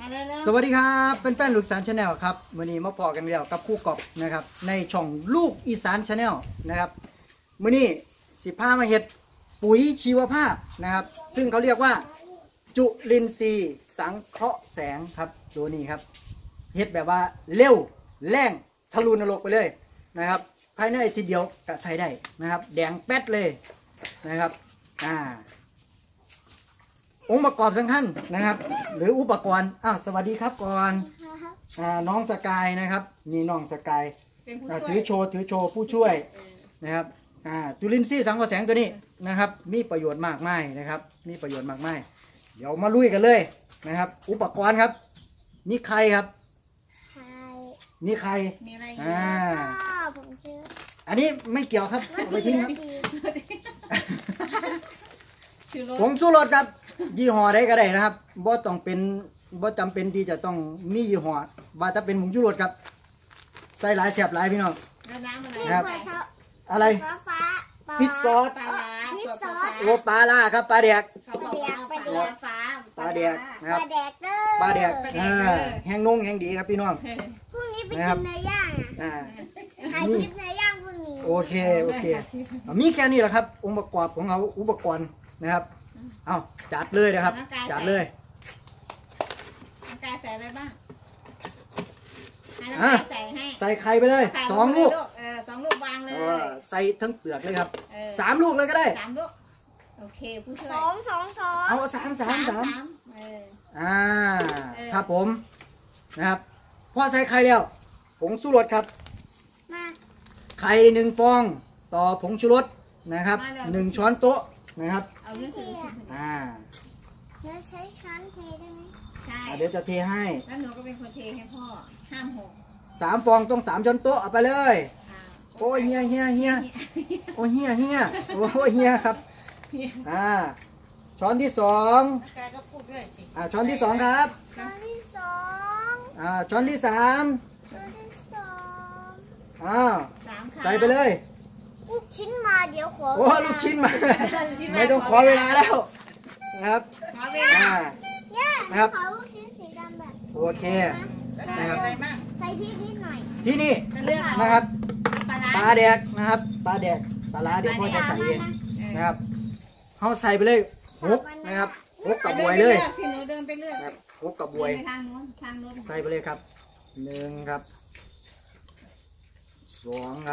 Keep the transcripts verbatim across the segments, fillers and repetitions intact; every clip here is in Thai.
สวัสดีครับเป็นแฟนลูกอีสานชาแนลครับวันนี้มาพอกันแล้วกับคู่กอบนะครับในช่องลูกอีสานชาแนลนะครับวันนี้สิพามาเห็ดปุ๋ยชีวภาพนะครับซึ่งเขาเรียกว่าจุลินทรีย์สังเคราะห์แสงครับตัวนี้ครับเห็ดแบบว่าเร็วแรงทะลุนรกไปเลยนะครับภายในทีเดียวก็ใส่ได้นะครับแดงแป๊ดเลยนะครับอ่าองค์ประกอบสำคัญนะครับหรืออุปกรณ์อ้าวสวัสดีครับก่อนอ่าน้องสกายนะครับนี่น้องสกายถือโชว์ถือโชว์ผู้ช่วยนะครับอ่าจุลินทรีย์สังเคราะห์แสงตัวนี้นะครับมีประโยชน์มากมายนะครับมีประโยชน์มากมายเดี๋ยวมาลุยกันเลยนะครับอุปกรณ์ครับนี่ใครครับนี่ใครอ่าอันนี้ไม่เกี่ยวครับเอาไปทิ้งครับผงชูรสครับยี่ห้อใดก็ได้นะครับบ่ต้องเป็นบ่จำเป็นที่จะต้องมียี่ห้อว่าถ้าเป็นผงชูรสครับใส่หลายแสบหลายพี่น้องนะครับอะไรพิซซอสโอ้ปลาล่าครับปลาแดกปลาแดกนะครับปลาแดกแห้งนุ่งแห้งดีครับพี่น้องพรุ่งนี้ไปกินเนื้อย่างอ่ะถ่ายคลิปเนื้อย่างพรุ่งนี้โอเคโอเคมีแค่นี้แหละครับองค์ประกอบของเราอุปกรณ์นะครับเอาจัดเลยนะครับจัดเลยน้ำกายใส่อะไรบ้างให้ใส่ให้ใส่ไข่ไปเลยสองลูกเออสองลูกวางเลยใส่ทั้งเปลือกเลยครับสามลูกเลยก็ได้สามลูกโอเคผู้ช่วยสองสองสองเอาสามสามสามอ่าครับผมนะครับพอใส่ไข่แล้วผงชูรสครับไข่หนึ่งฟองต่อผงชูรสนะครับหนึ่งช้อนโต๊ะนะครับเอาเรื่องถืออ่าเดี๋ยวใช้ช้อนเทได้ไหมใช่เดี๋ยวจะเทให้แล้วหนูก็เป็นคนเทให้พ่อห้ามหกสามฟองต้องสามช้อนโต๊ะเอาไปเลยโอ้ยเฮียเฮียเฮียโอ้ยเฮียเฮียโอ้ยเฮียครับอ่าช้อนที่สองอ่าช้อนที่สองครับช้อนที่สองอ่าช้อนที่สามช้อนที่สองอ้าวใส่ไปเลยลูกชิ้นมาเดี๋ยวขอโอ้ลูกชิ้นมาไม่ต้องขอเวลาแล้วนะครับอ่านะครับขอลูกชิ้นสีดำแบบโอเคนะครับใส่พริกนิดหน่อยที่นี่นะครับปลาแดกนะครับปลาแดกปลาล้าเดี๋ยวพ่อจะใส่เองนะครับเขาใส่ไปเลยหกนะครับหกกับบวยเลยนะครับหกกับบวยใส่ไปเลยครับหนึ่งครับสองครับ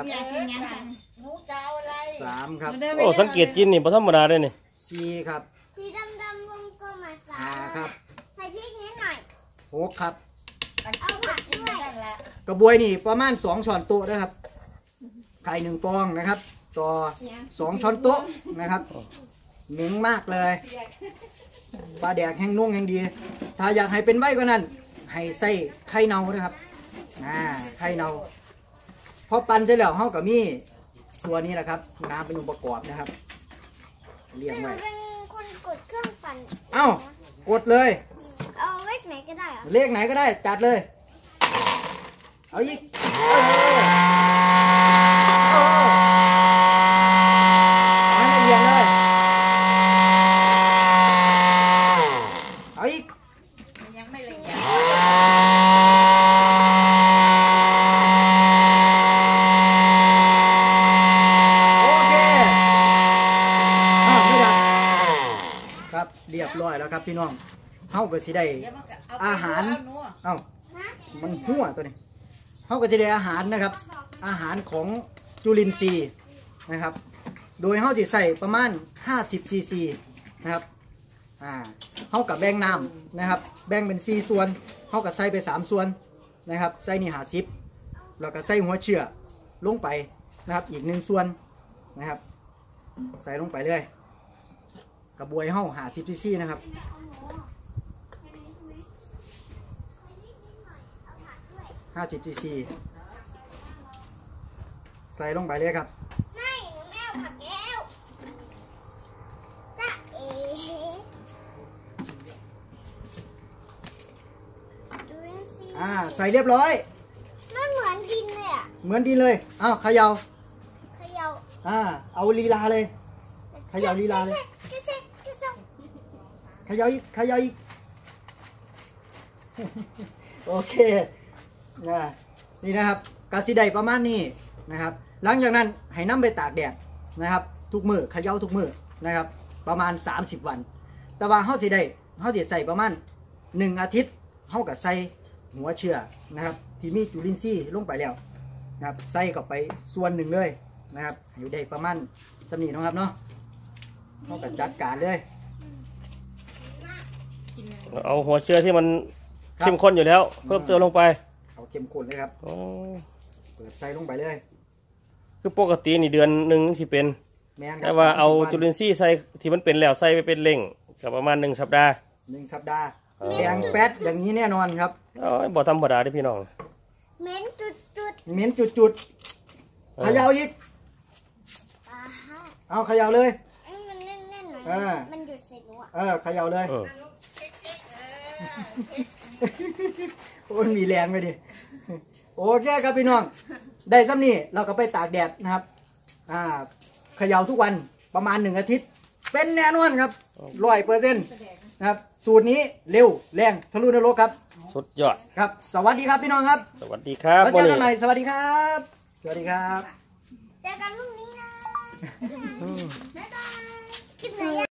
สามครับโอ้สังเกตจินนี่พอธรรมดาเลยนี่สี่ครับสีดำดำวงกลมมาสาห้าครับใส่พริกนิดหน่อยหกครับเอาผักด้วยกระบวยนี่ประมาณสองช้อนโต๊ะนะครับไข่หนึ่งฟองนะครับต่อสองช้อนโต๊ะนะครับเหม็นมากเลยปลาแดกแห้งนุ่งแห้งดีถ้าอยากให้เป็นใบกว่านั้นให้ใส่ไข่เน่านะครับอ่าไข่เน่าพอปั่นเสร็จแล้วเฮากับมีตัวนี้แหละครับน้ำเป็นองค์ประกอบนะครับเรียงไว้เป็นคนกดเครื่องปั่นเอ้ากดเลยเอาเลขไหนก็ได้เลขไหนก็ได้จัดเลยเอาอีกให้ละเอียดเลยเอาอีกยังไม่ละเอียดเรียบร้อยแล้วครับพี่น้องเฮาก็สิได้อาหารเอ้ามันหัวตัวนี้เฮาก็สิได้อาหารนะครับอาหารของจุลินทรีย์นะครับโดยเฮาสิใส่ประมาณห้าสิบซีซีนะครับอ่าเฮากับแบ่งน้ำนะครับแบ่งเป็นสี่ส่วนเฮาก็ใส่ไปสามส่วนนะครับใส่นี่ห้าสิบแล้วก็ใส่หัวเชื้อลงไปนะครับอีกหนึ่งส่วนนะครับใส่ลงไปเลยกระบวยเห่าหาซิปซี่นะครับห้าสิบซีซีใส่ลงไปเลยครับไม่แม่ผักแก้วจ้าเอ๋อ่าใส่เรียบร้อยมันเหมือนดินเลยอ่ะเหมือนดินเลยอ้าวเขย่าเขย่าอ่าเอาลีลาเลยเขย่าลีลาเลยเขย่าอีกเขย่าอีกโอเคนะนี่นะครับกาซิไดประมาณนี้นะครับ หลังจากนั้นให้น้ำไปตากแดดนะครับ ทุกมือเขย่าทุกมือนะครับ ประมาณสามสิบวัน แต่ว่าเฮาสิได้เฮาสิใส่ประมาณหนึ่งอาทิตย์เฮากับใส่หัวเชื้อนะครับ ที่มีจุลินทรีย์ลงไปแล้วนะครับใส่เข้าไปส่วนหนึ่งเลยนะครับอยู่ได้ประมาณสำนีนะครับเนาะเฮากับจัดการเลยเอาหัวเชื้อที่มันเข้มข้นอยู่แล้ว เพิ่มเติมลงไปเอาเข้มข้นเลยครับอ๋อเปิดใส่ลงไปเลยคือปกตินี่เดือนหนึ่งสิเป็นแม่นครัแต่ว่าเอาสมสิบจุลินทรีย์ใส่ที่มันเป็นแล้วใส่ไปเป็นเร่งกับประมาณหนึ่งสัปดาห์หนึ่งสัปดาห์อ๋อแดงแป๊ดอย่างนี้แน่นอนครับอ๋อบ่ธรรมดาเด้อพี่น้องเหม็นจุดจุดเหม็นจุดๆเขย่าอีกๆอ่าฮะเอาเขย่าเลยเอ้ยมันแน่นๆหน่อยอ่ามันหยุดเสร็จหนูอ่ะเออเขย่าเลยเออเช็คเช็คเออโอ้ยมีแรงไปดิโอเคครับพี่น้อง ได้ซ้ำนี่เราก็ไปตากแดดนะครับอ่าเขย่าทุกวันประมาณหนึ่งอาทิตย์ เป็นแน่นอนครับร้อยเปอร์เซ็นต์นะครับสูตรนี้เร็วแรงทะลุนรกครับสุดยอดครับ สวัสดีครับพี่น้องครับสวัสดีครับแล้วเจอกันใหม่สวัสดีครับ สวัสดีครับเจอกันพรุ่งนี้นะอืมบ๊ายบายคลิปไหนอะ